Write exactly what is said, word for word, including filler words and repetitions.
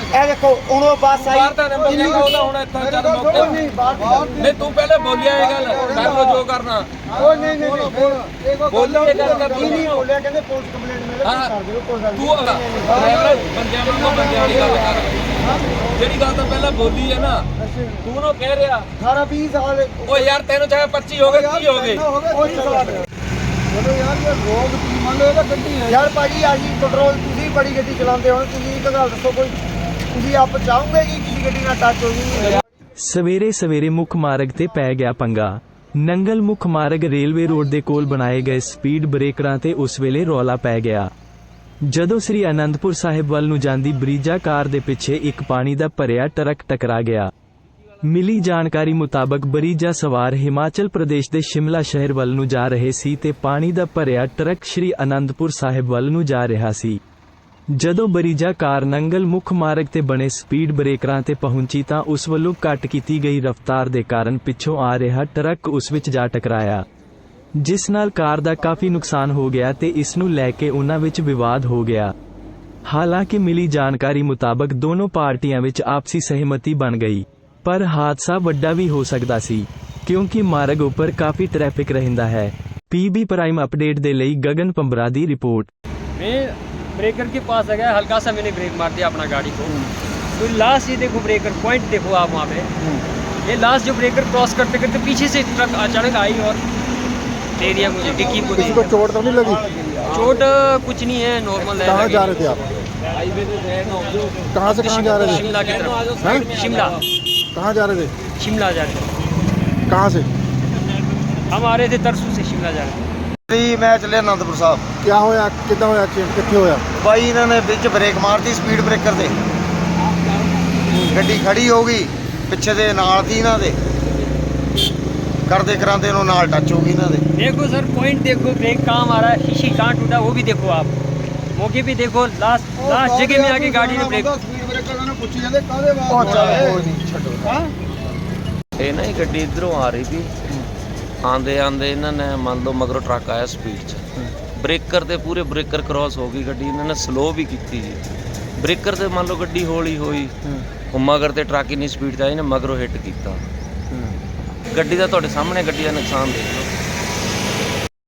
ਇਹ ਦੇਖੋ ਹੁਣ ਉਹ ਬੱਸ ਆਈ ਬਾਹਰ ਦਾ ਨੰਬਰ ਨਹੀਂ ਉਹਦਾ ਹੁਣ ਇੱਥੇ ਚੱਲ ਮੌਕੇ ਨਹੀਂ ਬਾਹਰ ਨਹੀਂ ਤੂੰ ਪਹਿਲੇ ਬੋਲਿਆ ਇਹ ਗੱਲ ਕਰ ਲੋ ਜੋ ਕਰਨਾ ਉਹ ਨਹੀਂ ਨਹੀਂ ਨਹੀਂ ਬੋਲੋ ਇਹ ਗੱਲ ਕਰ ਨਹੀਂ ਬੋਲਿਆ ਕਹਿੰਦੇ ਪੁਲਿਸ ਕੰਪਲੇਂਟ ਮਿਲੇ ਕਰ ਦਿਓ ਕੋਈ ਗੱਲ ਤੂੰ ਡਰਾਈਵਰ ਬੰਦਿਆਂ ਨੂੰ ਬੰਦਿਆਂ ਵਾਲੀ ਗੱਲ ਕਰ ਜਿਹੜੀ ਗੱਲ ਤਾਂ ਪਹਿਲਾਂ ਬੋਲੀ ਹੈ ਨਾ ਤੂੰ ਉਹਨੂੰ ਕਹਿ ਰਿਹਾ ਅਠਾਰਾਂ ਵੀਹ ਸਾਲ ਉਹ ਯਾਰ ਤੈਨੂੰ ਚਾਹੇ ਪੱਚੀ ਹੋ ਗਏ ਤੀਹ ਹੋ ਗਏ ਕੋਈ ਸਵਾਲ ਨਹੀਂ ਚਲੋ ਯਾਰ ਇਹ ਰੋਗ ਕੀ ਮੰਨ ਲਓ ਇਹ ਤਾਂ ਗੱਡੀ ਹੈ ਯਾਰ ਭਾਜੀ ਆਹੀ ਕੰਟਰੋਲ ਤੁਸੀਂ ਬੜੀ ਗੱਡੀ ਚਲਾਉਂਦੇ ਹੋ ਤੁਸੀਂ ਇੱਕ ਗੱਲ ਦੱਸੋ ਕੋਈ ਤੁਸੀਂ ਆਪ ਚਾਹੋਗੇ ਕਿ ਕਿਸੇ ਗੱਡੀ ਨਾਲ ਟੱਚ ਹੋ ਜੀ ਸਵੇਰੇ ਸਵੇਰੇ ਮੁੱਖ ਮਾਰਗ ਤੇ ਪੈ ਗਿਆ ਪੰਗਾ। ਨੰਗਲ ਮੁੱਖ ਮਾਰਗ ਰੇਲਵੇ ਰੋਡ ਦੇ ਕੋਲ ਬਣਾਏ ਗਏ ਸਪੀਡ ਬ੍ਰੇਕਰਾਂ ਤੇ ਉਸ ਵੇਲੇ ਰੌਲਾ ਪੈ ਗਿਆ ਜਦੋਂ ਸ੍ਰੀ ਅਨੰਦਪੁਰ ਸਾਹਿਬ ਵੱਲ ਨੂੰ ਜਾਂਦੀ ਬਰੀਜਾ ਕਾਰ ਦੇ ਪਿੱਛੇ ਇੱਕ ਪਾਣੀ ਦਾ ਭਰਿਆ ਟਰੱਕ ਟਕਰਾ ਗਿਆ। ਮਿਲੀ ਜਾਣਕਾਰੀ ਮੁਤਾਬਕ ਬਰੀਜਾ ਸਵਾਰ ਹਿਮਾਚਲ ਪ੍ਰਦੇਸ਼ ਦੇ ਸ਼ਿਮਲਾ ਸ਼ਹਿਰ ਵੱਲ ਨੂੰ ਜਾ ਰਹੇ ਸੀ ਤੇ ਪਾਣੀ ਦਾ ਭਰਿਆ ਟਰੱਕ ਸ੍ਰੀ ਅਨੰਦਪੁਰ ਸਾਹਿਬ ਵੱਲ ਨੂੰ ਜਾ ਰਿਹਾ ਸੀ। ਜਦੋਂ ਬਰੀਜਾ ਕਾਰ ਨੰਗਲ ਮੁੱਖ ਮਾਰਗ ਤੇ ਬਣੇ ਸਪੀਡ ਬ੍ਰੇਕਰਾਂ ਤੇ ਪਹੁੰਚੀ ਤਾਂ ਉਸ ਵੱਲੋਂ ਘੱਟ ਕੀਤੀ ਗਈ ਰਫ਼ਤਾਰ ਦੇ ਕਾਰਨ ਪਿੱਛੋਂ ਆ ਰਿਹਾ ਟਰੱਕ ਉਸ ਵਿੱਚ ਜਾ ਟਕਰਾਇਆ ਜਿਸ ਨਾਲ ਕਾਰ ਦਾ ਕਾਫੀ ਨੁਕਸਾਨ ਹੋ ਗਿਆ ਤੇ ਇਸ ਨੂੰ ਲੈ ਕੇ ਉਨ੍ਹਾਂ ਵਿੱਚ ਵਿਵਾਦ ਹੋ ਗਿਆ। ਹਾਲਾਂਕਿ ਮਿਲੀ ਜਾਣਕਾਰੀ ਮੁਤਾਬਕ ਦੋਨੋਂ ਪਾਰਟੀਆਂ ਵਿੱਚ ਆਪਸੀ ਸਹਿਮਤੀ ਬਣ ਗਈ ਪਰ ਹਾਦਸਾ ਵੱਡਾ ਵੀ ਹੋ ਸਕਦਾ ਸੀ ਕਿਉਂਕਿ ਮਾਰਗ ਉੱਪਰ ਕਾਫੀ ਟ੍ਰੈਫਿਕ ਰਹਿੰਦਾ ਹੈ। ਪੀਬੀ ਪ੍ਰਾइम अपडेट ਦੇ ਲਈ गगन पंबरा ਦੀ रिपोर्ट। मैं ब्रेकर के पास आ गया, हल्का सा मैंने ब्रेक मार दिया अपना गाड़ी को, तो लास्ट ये देखो ब्रेकर पॉइंट देखो आप वहाँ पे, ये लास्ट जो ब्रेकर क्रॉस करते करते पीछे से ट्रक अचानक आई और दे दिया मुझे, डिक्की को दे किसी को दिया। चोट तो नहीं लगी? चोट कुछ नहीं है, नॉर्मल है। कहाँ जा रहे थे आप? कहाँ से कहाँ जा रहे थे? शिमला की तरफ। हैं? शिमला कहाँ जा रहे थे? शिमला जा रहे थे। कहाँ से? हम आ रहे थे तरसू से शिमला जा रहे थे। ਜੀ ਮੈਂ ਚੱਲਿਆ ਅਨੰਦਪੁਰ ਸਾਹਿਬ क्या होया कितना होया एक्सीडेंट कितने होया? ਬਾਈ ਇਹਨਾਂ ਨੇ ਵਿੱਚ ਬ੍ਰੇਕ ਮਾਰਤੀ ਸਪੀਡ ਬ੍ਰੇਕਰ ਤੇ ਗੱਡੀ ਖੜੀ ਹੋ ਗਈ ਪਿੱਛੇ ਦੇ ਨਾਲ ਦੀ ਇਹਨਾਂ ਦੇ ਕਰਦੇ ਕਰਾਂਦੇ ਇਹਨੂੰ ਨਾਲ ਟੱਚ ਹੋ ਗਈ ਇਹਨਾਂ ਦੇ। देखो सर पॉइंट देखो, ब्रेक कहाँ मारा है, शीशी कहाँ टूटा वो भी देखो आप, मौके पे देखो लास्ट लास्ट जगह में आके गाड़ी ने ब्रेक। स्पीड ब्रेकर ने पूछी जाते कादे बात ਉਹ ਚੱਲ ਕੋਈ ਨਹੀਂ ਛੱਡੋ। हां ਇਹ ਨਾ ਹੀ ਗੱਡੀ ਇਧਰੋਂ ਆ ਰਹੀ ਸੀ ਆਂਦੇ ਆਂਦੇ ਇਹਨਾਂ ਨੇ ਮੰਨ ਲਓ ਮਗਰੋਂ ਟਰੱਕ ਆਇਆ ਸਪੀਡ 'ਚ ਬ੍ਰੇਕਰ ਤੇ ਪੂਰੇ ਬ੍ਰੇਕਰ ਕ੍ਰਾਸ ਹੋ ਗਈ ਗੱਡੀ, ਇਹਨਾਂ ਨੇ ਸਲੋ ਵੀ ਕੀਤੀ ਜੀ ਬ੍ਰੇਕਰ ਤੇ ਮੰਨ ਲਓ ਗੱਡੀ ਹੌਲੀ ਹੋਈ ਉਹ ਮਗਰ ਤੇ ਟਰੱਕ ਇੰਨੀ ਸਪੀਡ 'ਚ ਆਈ ਨੇ ਮਗਰੋਂ ਹਿੱਟ ਕੀਤਾ ਗੱਡੀ ਦਾ ਤੁਹਾਡੇ ਸਾਹਮਣੇ ਗੱਡੀ ਦਾ ਨੁਕਸਾਨ ਦੇਖ ਲਓ।